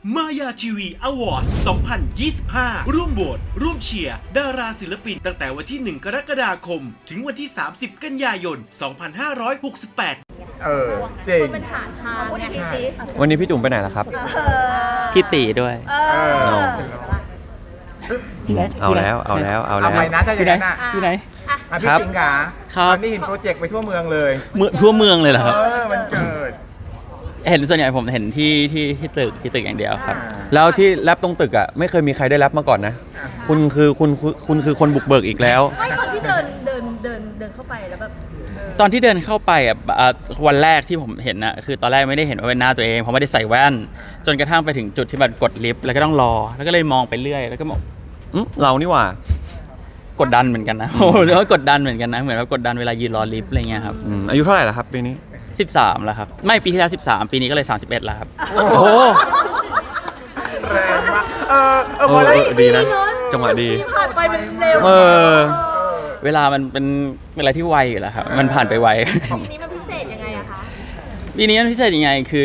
มายาทีวีอวอร์ด2025 ร่วมโหวตร่วมเชียร์ดาราศิลปินตั้งแต่วันที่ 1 กรกฎาคม ถึงวันที่ 30 กันยายน 2568 เจ๋งมันหาทางไงวันนี้พี่จุ๋มไปไหนล่ะครับพี่ตีด้วยเอาแล้วเอาแล้วเอาเอาแล้วไปนะถ้าอย่างนั้นอ่ะอยู่ไหนพี่ครับสิงห์ขาครับตอนนี้เห็นโปรเจกต์ไปทั่วเมืองเลยทั่วเมืองเลยเหรอครับมันเกิดเห็นส่วนใหญ่ผมเห็นที่ตึกอย่างเดียวครับแล้วที่แรปตรงตึกอ่ะไม่เคยมีใครได้แรปมาก่อนนะ คุณคือคนบุกเบิกอีกแล้วไม่ตอนที่เดินเข้าไปแล้วแบบตอนที่เดินเข้าไปวันแรกที่ผมเห็นน่ะคือตอนแรกไม่ได้เห็นว่าเป็นหน้าตัวเองเพราะไม่ได้ใส่แว่น จนกระทั่งไปถึงจุดที่มันกดลิฟต์แล้วก็ต้องรอ แล้วก็เลยมองไปเรื่อยแล้วก็บอกเรานี่หว่ากดดันเหมือนกันนะ โอ้โหเรียกว่ากดดันเหมือนกันนะเหมือนว่ากดดันเวลายืนรอลิฟต์อะไรเงี้ยครับอายุเท่าไหร่แล้วครับปีนี้ 13แล้วครับไม่ปีที่แล้ว13ปีนี้ก็เลย31แล้วครับโอ้โหแรงมากพอแล้วดีนะ จังหวะดีที่ผ่านไปมันเร็วเออเวลามันเป็นอะไรที่ไวอยู่แล้วครับมันผ่านไปไวปีนี้มันพิเศษยังไงอะคะปีนี้มันพิเศษยังไงคือ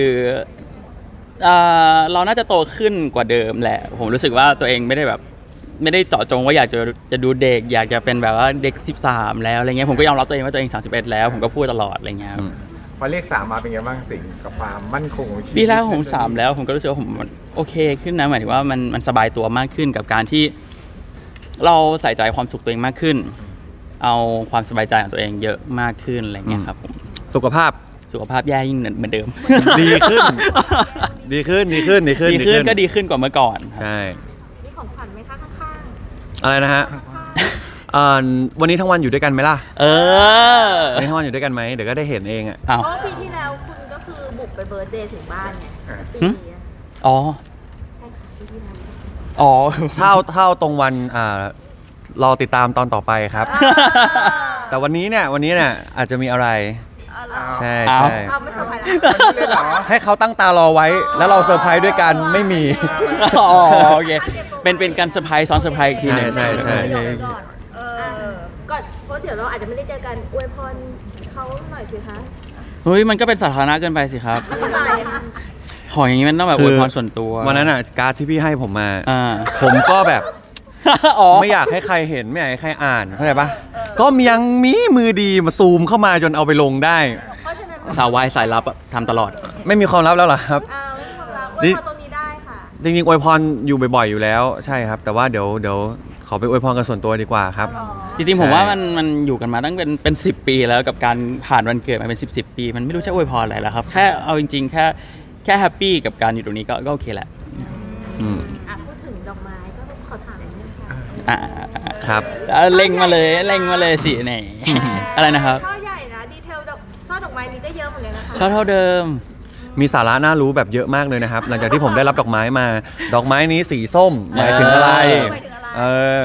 เราน่าจะโตขึ้นกว่าเดิมแหละผมรู้สึกว่าตัวเองไม่ได้เจาะจงว่าอยากจะดูเด็กอยากจะเป็นแบบว่าเด็ก13แล้วอะไรเงี้ยผมก็ยอมรับตัวเองว่าตัวเอง31แล้วผมก็พูดตลอดอะไรเงี้ยครับพอเลข3มาเป็นไงบ้างสิงห์กับความมั่นคงของชีวิตปีแล้วผม3แล้วผมก็รู้สึกว่าผมโอเคขึ้นนะหมายถึงว่ามันสบายตัวมากขึ้นกับการที่เราใส่ใจความสุขตัวเองมากขึ้น เอาความสบายใจของตัวเองเยอะมากขึ้นอะไรเงี้ยครับผมสุขภาพสุขภาพแย่ยิ่งเหมือนเดิมดีขึ้น ดีขึ้นก็ดีขึ้นกว่าเมื่อก่อนครับใช่มีของขวัญไหมคะข้างอะไรนะฮะวันนี้ทั้งวันอยู่ด้วยกันไหมล่ะเออวันนี้ทั้งวันอยู่ด้วยกันไหมเดี๋ยวก็ได้เห็นเองอ่ะๆอ้าวเพราะว่าปีที่แล้วคุณก็คือบุกไปเบิร์ธเดย์ถึงบ้านไงปีนี้อะอ๋อใช่ค่ะปีที่แล้วอ๋อเท่าตรงวันรอติดตามตอนต่อไปครับ แต่วันนี้เนี่ยอาจจะมีอะไร ใช่อ้าวใช่เอาไม่สบายแล้วเลยเหรอให้เขาตั้งตารอไว้ แล้วเราเซอร์ไพรส์ด้วยกันไม่มีอ๋อโอเคเป็นการเซอร์ไพรส์ซ้อนเซอร์ไพรส์อีกทีหนึงใช่โอเคก่อนเพราะเดี๋ยวเราอาจจะไม่ได้เจอกันอวยพรเขาหน่อยสิคะเฮ้ยมันก็เป็นสาธารณะเกินไปสิครับไม่เป็นไรค่ะขออย่างนี้มันต้องแบบอวยพรส่วนตัววันนั้นการ์ดที่พี่ให้ผมมาผมก็แบบอ๋อไม่อยากให้ใครเห็นไม่อยากให้ใครอ่านเข้าใจปะก็ยังมีมือดีมาซูมเข้ามาจนเอาไปลงได้เพราะฉะนั้นสาววายสายลับอะทำตลอดไม่มีความลับแล้วเหรอครับไม่มีความรักอวยพรตรงนี้ได้ค่ะจริงๆอวยพรอยู่บ่อยๆอยู่แล้วใช่ครับ แต่ว่าเดี๋ยวขอไปอวยพรกันส่วนตัวดีกว่าครับจริงๆผมใช่ว่ามันอยู่กันมาตั้งเป็น10 ปีแล้วกับการผ่านวันเกิดมาเป็น10 ปี มันไม่รู้จะอวยพรอะไรแล้วครับแค่เอาจริงๆแค่แฮปปี้กับการอยู่ตรงนี้ก็โอเคแหละพูดถึงดอกไม้ก็ขอถามนิดนึงค่ะครับเล็งมาเลยสิเนี่ยอะไรนะครับช่อใหญ่นะดีเทลช่อดอกไม้นี้ก็เยอะเหมือนกันนะคะชอบเท่าเดิมมีสาระน่ารู้แบบเยอะมากเลยนะครับ หลังจากที่ผมได้รับดอกไม้มา ดอกไม้นี้สีส้มหมายถึงอะไร เออ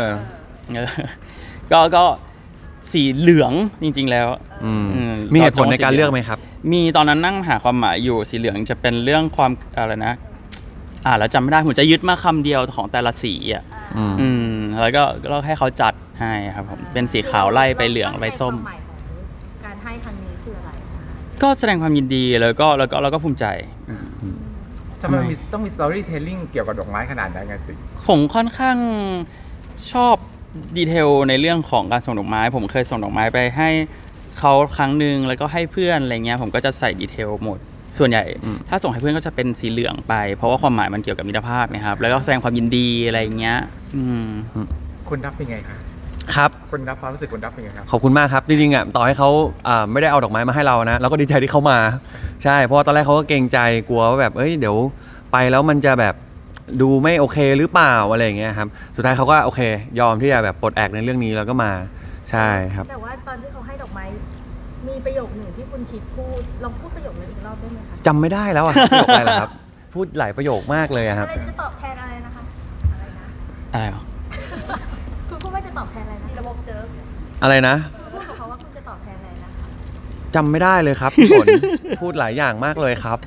ก็สีเหลืองจริง ๆ แล้วมีเหตุผลในการเลือกไหมครับมีตอนนั้นนั่งหาความหมายอยู่สีเหลืองจะเป็นเรื่องความอะไรนะแล้วจำไม่ได้ผมจะยึดมาคำเดียวของแต่ละสีอ่ะแล้วก็ให้เขาจัดให้ครับผมเป็นสีขาวไล่ไปเหลืองไปส้มความหมายของการให้ครั้งนี้คืออะไรคะก็แสดงความยินดีแล้วก็ภูมิใจทำไมต้องมี storytelling เกี่ยวกับดอกไม้ขนาดนั้นไงสิผมค่อนข้างชอบดีเทลในเรื่องของการส่งดอกไม้ผมเคยส่งดอกไม้ไปให้เขาครั้งหนึ่งแล้วก็ให้เพื่อนอะไรเงี้ยผมก็จะใส่ดีเทลหมดส่วนใหญ่ถ้าส่งให้เพื่อนก็จะเป็นสีเหลืองไปเพราะว่าความหมายมันเกี่ยวกับมิตรภาพนะครับแล้วก็แสดงความยินดีอะไรเงี้ยคุณรับเป็นไงคะครับคุณรับความรู้สึกคุณรับเป็นไงครับขอบคุณมากครับจริงๆต่อให้เขาไม่ได้เอาดอกไม้มาให้เรานะเราก็ดีใจที่เขามาใช่เพราะว่าตอนแรกเขาก็เกรงใจกลัวว่าแบบเดี๋ยวไปแล้วมันจะแบบดูไม่โอเคหรือเปล่าอะไรอย่างเงี้ยครับสุดท้ายเขาก็โอเคยอมที่จะแบบปลดแอกในเรื่องนี้แล้วก็มาใช่ครับแต่ว่าตอนที่เขาให้ดอกไม้มีประโยคหนึ่งที่คุณคิดพูดลองพูดประโยคนั้นอีกรอบได้ไหมคะจำไม่ได้แล้วอะครับประโยคอะไรล่ะครับพูดหลายประโยคมากเลยอะครับอะไรจะตอบแทนอะไรนะคะอะไรนะอะไรหรอคุณพูดว่าจะตอบแทนอะไรนะระบบเจออะไรนะพูดกับเขาว่าคุณจะตอบแทนอะไรนะคะจำไม่ได้เลยครับพี่ฝน พูดหลายอย่างมากเลยครับ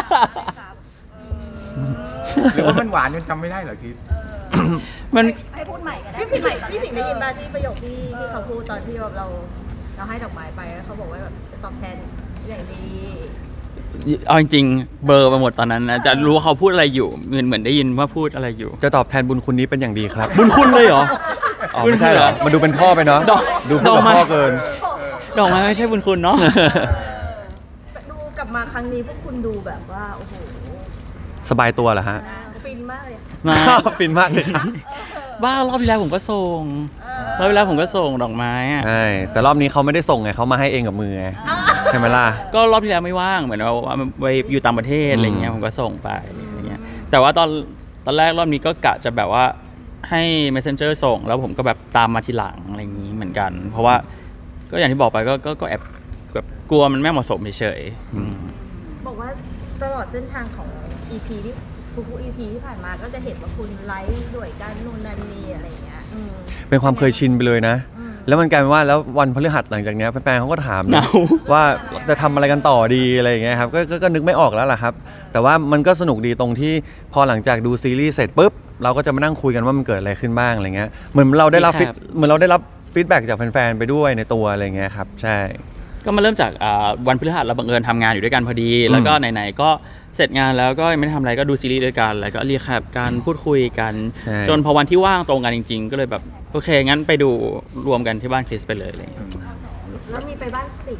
หรือว่ามันหวานจนจำไม่ได้เหรอคิดมันให้พูดใหม่ก็ได้พี่สิงห์ได้ยินป่ะที่ประโยคที่เขาพูดตอนที่แบบเราให้ดอกไม้ไปเขาบอกว่าแบบจะตอบแทนอย่างดีเอาจริงๆเบลอร์ไปหมดตอนนั้นนะจะรู้ว่าเขาพูดอะไรอยู่เหมือนได้ยินว่าพูดอะไรอยู่จะตอบแทนบุญคุณนี้เป็นอย่างดีครับบุญคุณเลยเหรออ๋อไม่ใช่เหรอมันดูเป็นพ่อไปเนาะดอกดูพูดกับพ่อเกินดอกไม้ไม่ใช่บุญคุณเนาะดูกลับมาครั้งนี้พวกคุณดูแบบว่าโอ้โหสบายตัวเหรอฮะฟินมากเลยมาฟินมากเลยครับบ้ารอบที่แล้วผมก็ส่งรอบที่แล้วผมก็ส่งดอกไม้อะใช่แต่รอบนี้เขาไม่ได้ส่งไงเขามาให้เองกับมือไงใช่ไหมล่ะก็รอบที่แล้วไม่ว่างเหมือนว่าไปอยู่ต่างประเทศอะไรเงี้ยผมก็ส่งไปอะไรเงี้ยแต่ว่าตอนแรกรอบนี้ก็กะจะแบบว่าให้ messenger ส่งแล้วผมก็แบบตามมาทีหลังอะไรอย่างนี้เหมือนกัน เพราะว่าก็อย่างที่บอกไปก็แอบแบบกลัวมันไม่เหมาะสมเฉยๆอืมบอกว่าตลอดเส้นทางของ EP ที่ทุก EP ที่ผ่านมาก็จะเห็นว่าคุณไลฟ์ด้วยกันนู่นนั่นนี่อะไรอย่างเงี้ยเป็นความเคยชินไปเลยนะ แล้วมันกลายเป็นว่าแล้ววันพฤหัสหลังจากเนี้ยแฟนๆเขาก็ถามนะว่าจะทำอะไรกันต่อดีอะไรอย่างเงี้ยครับก็นึกไม่ออกแล้วล่ะครับ แต่ว่ามันก็สนุกดีตรงที่พอหลังจากดูซีรีส์เสร็จปุ๊บเราก็จะมานั่งคุยกันว่ามันเกิดอะไรขึ้นบ้างอะไรเงี้ยเหมือนเราได้รับฟีดแบ็กจากแฟนๆไปด้วยในตัวอะไรเงี้ยครับใช่ก็มาเริ่มจากวันพฤหัสเราบังเอิญทำงานอยู่ด้วยกันพอดี แล้วก็ไหนๆก็เสร็จงานแล้วก็ไม่ได้ทำอะไรก็ดูซีรีส์ด้วยกันแล้วก็เรียกแคปการพูดคุยกันใช่จนพอวันที่ว่างตรงกันจริง ๆ ก็เลยแบบโอเคงั้นไปดูรวมกันที่บ้านคริสไปเลยอะไรอย่างเงี้ยแล้วมีไปบ้านสิงห์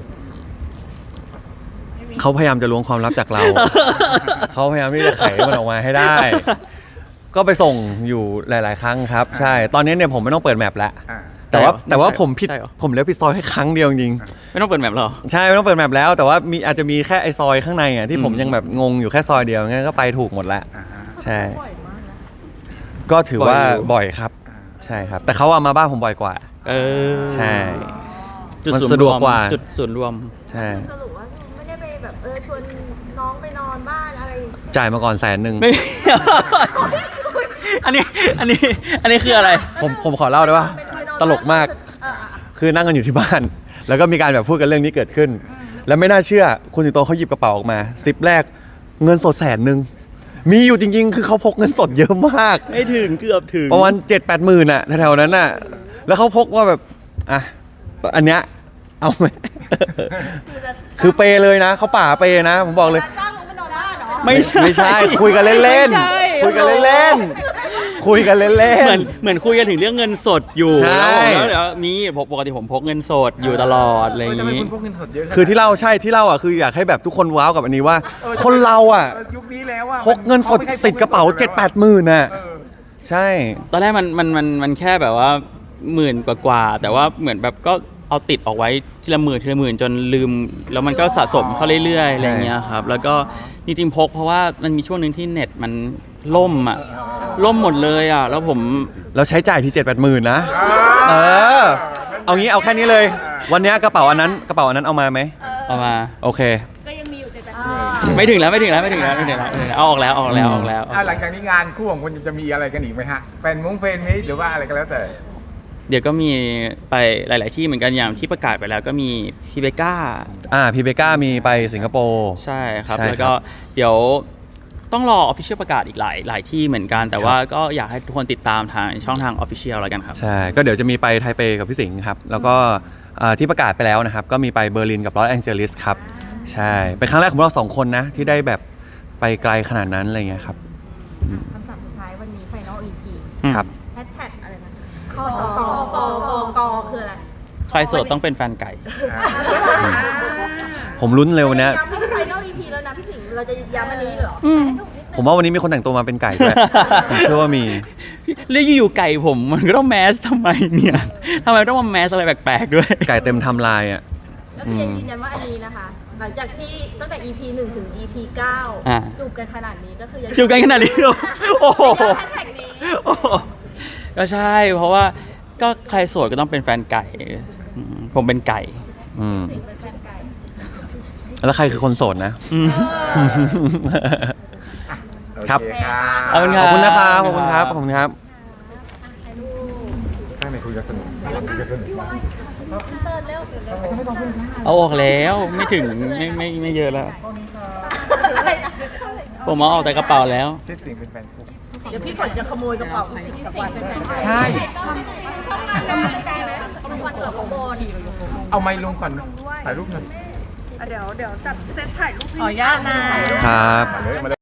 เขาพยายามจะล้วงความลับจากเรา เขาพยายามที่จะไขมันออกมาให้ได้ ก็ไปส่งอยู่หลาย ๆ ครั้งครับ ใช่ ตอนนี้เนี่ยผมไม่ต้องเปิดแมปแล้วอ่าแต่ว่าผมผิดใช่เหรอผมเลี้ยวผิดซอยแค่ครั้งเดียวจริงไม่ต้องเปิดแมปหรอใช่ไม่ต้องเปิดแมปแล้ว แต่ว่าอาจจะมีแค่ไอซอยข้างในอ่ะที่ผมยังแบบงงอยู่แค่ซอยเดียวงั้นก็ไปถูกหมดแล้วอ่าฮะใช่บ่อยมากนะก็ถือว่าบ่อยอยู่บ่อยครับ ใช่ครับ แต่เขาเอามาบ้านผมบ่อยกว่าเออใช่จุดมันศูนย์สะดวกกว่าจุดศูนย์รวมใช่สรุปว่าไม่ได้ไปแบบชวนน้องไปนอนบ้านอะไรจ่ายมาก่อน100,000 ไม่ อันนี้คืออะไรผมขอเล่าได้ป่ะเป็นไปนอนตลกมาก คือนั่งกันอยู่ที่บ้าน แล้วก็มีการแบบพูดกันเรื่องนี้เกิดขึ้น แล้วไม่น่าเชื่อคุณสิงโตเขาหยิบกระเป๋าออกมาซิปแรกเงินสด100,000มีอยู่จริงๆ คือเขาพกเงินสดเยอะมากไม่ถึงเกือบถึงประมาณ7-8 หมื่นอะแถวๆนั้นอะแล้วเขาพกว่าแบบอ่ะอันเนี้ยเอาไหม คือเปย์เลยนะเขาป่าเปย์นะ ผมบอกเลยจ้างน้องไปนอนบ้านเหรอไม่ใช่คุยกันเล่นไม่ใช่ๆคุยกันเล่นๆคุยกันเล่นเหมือนคุยกันถึงเรื่องเงินสดอยู่ใช่แล้วเดี๋ยวมีปกติผมพกเงินสดอยู่ตลอดอะไรอย่างทำไมนี้คุณพกเงินสดเยอะขนาดๆคือที่เล่าอ่ะคืออยากให้แบบทุกคนว้าวกับอันนี้ว่า คนเราอ่ะยุคนี้แล้วอ่ะพกเงินสดติดกระเป๋า7-8 หมื่นน่ะเออใช่ตอนแรกมันแค่แบบว่าหมื่นกว่าๆแต่ว่าเหมือนแบบก็เอาติดออกไว้ทีละหมื่นจนลืมแล้วมันก็สะสมเข้าเรื่อยๆอะไรอย่างเงี้ยครับแล้วก็จริงๆพกเพราะว่ามันมีช่วงหนึ่งที่เน็ตมันล่มหมดเลยอ่ะแล้วผมเราใช้จ่ายที่7-8 หมื่นนะเอางี้เอาแค่นี้เลย วันนี้กระเป๋าอันนั้นเอามาไหมเอามาโอเคก็ยังมีอยู่แต่ไม่ถึงแล้วเอาออกแล้วหลังจากนี้งานคู่ของคุณจะมีอะไรกันอีกไหมฮะแฟนมิตหรือว่าอะไรก็แล้วแต่เดี๋ยวก็มีไปหลาย ๆ ที่เหมือนกันอย่างที่ประกาศไปแล้วก็มีพี่เบก้าพี่เบก้ามีไปสิงคโปร์ใช่ครับใช่ครับแล้วก็เดี๋ยวต้องรอ Official ประกาศอีกหลายที่เหมือนกัน แต่ว่าก็อยากให้ทุกคนติดตามทางช่องทาง Official แล้วกันครับใช่ก็เดี๋ยวจะมีไปไทเปกับพี่สิงห์ครับแล้วก็ที่ประกาศไปแล้วนะครับก็มีไปเบอร์ลินกับลอสแองเจลิสครับใช่เป็นครั้งแรกของเรา2 คนนะที่ได้แบบไปไกลขนาดนั้นอะไรเงี้ยครับคำสั่งสุดท้ายวันนี้ Final EP ครับแฮชแท็กอะไรนะคอฟอคืออะไรใครโสดต้องเป็นแฟนไก่ผมลุ้นเร็ววันเนี้ยย้ำว่า Final EP แล้วนะพี่สิงห์เราจะย้ำอันนี้เหรอผมว่าวันนี้มีคนแต่งตัวมาเป็นไก่ด้วย ผมเชื่อว่ามีเรียกอยู่ๆไก่ผมมันก็ต้องแมสทำไมเนี่ยทำไมต้องมาแมสอะไรแปลกๆด้วยไก่เต็มไทำลายอ่ะก็คือยังยืนยันว่าอันนี้นะคะ หลังจากที่ตั้งแต่ EP 1 ถึง EP อ่า 9จูบกันขนาดนี้ก็คือยังอยู่กันขนาดนี้เหรอโอ้โหแฮชแท็กนี้โอ้โหก็ใช่เพราะว่าก็ใครโสดก็ต้องเป็นแฟนไก่ผมเป็นไก่อืมสิงห์เป็นแฟนไก่แล้วใครคือคนโสดนะ ครับโอเคครับขอบคุณขอบคุณนะครับขอบคุณครับขอบคุณครับข้างในคุยกันสนุกคุยกันสนุกมากเอาออกแล้วไม่ถึงไม่เยอะแล้ว ผมเอาออกแต่กระเป๋าแล้วที่สิงเป็นแฟนคู่เดี๋ยวพี่ฝนจะขโมยกระเป๋าพี่สิงห์กลับบ้านใช่ เอาไมค์ลงก่อนถ่ายรูปหน่อยเดี๋ยวจัดเซตถ่ายรูปขออนุญาตนะครับมาเลย